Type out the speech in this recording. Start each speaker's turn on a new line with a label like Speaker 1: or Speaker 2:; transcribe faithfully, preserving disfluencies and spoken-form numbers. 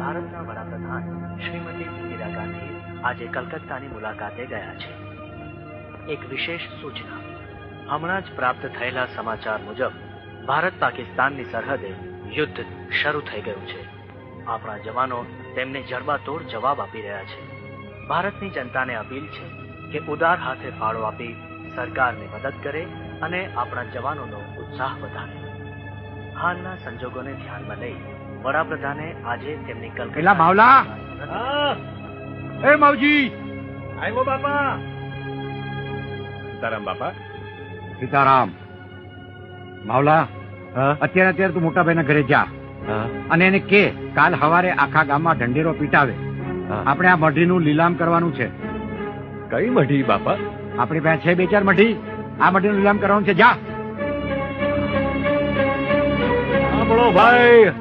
Speaker 1: ભારતના વડાપ્રધાન શ્રીમતી ઇન્દિરા ગાંધી આજે કલકત્તાની મુલાકાતે ગયા છે. એક વિશેષ સૂચના. હમણાં જ પ્રાપ્ત થયેલા સમાચાર મુજબ ભારત પાકિસ્તાનની સરહદે યુદ્ધ શરૂ થઈ ગયું છે. આપણા જવાનો તેમને જડબાતોડ જવાબ આપી રહ્યા છે. ભારતની જનતાને અપીલ છે કે ઉદાર હાથે ફાળો આપી સરકારને મદદ કરે અને આપણા જવાનોનો ઉત્સાહ વધારે. હાલના સંજોગોને ધ્યાનમાં લઈ વડાપ્રધાને આજે તેમની
Speaker 2: પેલા માવલા!
Speaker 1: કલકત્તા
Speaker 2: એ માવજી!
Speaker 1: આવ્યો બાપા.
Speaker 3: સીતારામ બાપા.
Speaker 2: સીતારામ. માવલા,
Speaker 3: હા
Speaker 2: અત્યારે અત્યારે તું મોટા ભાઈના ઘરે જા
Speaker 3: હા
Speaker 2: અને એને કે કાલ સવારે આખા ગામમાં ઢંઢેરો પીટાવે.
Speaker 3: હા.
Speaker 2: આપણે આ મઢીનું લીલામ કરવાનું છે.
Speaker 3: કઈ મઢી બાપા?
Speaker 2: આપણી પાસે છે બે ચાર મઢી. આ મઢીનું લીલામ કરવાનું છે. જા.
Speaker 3: સાંભળો ભાઈ,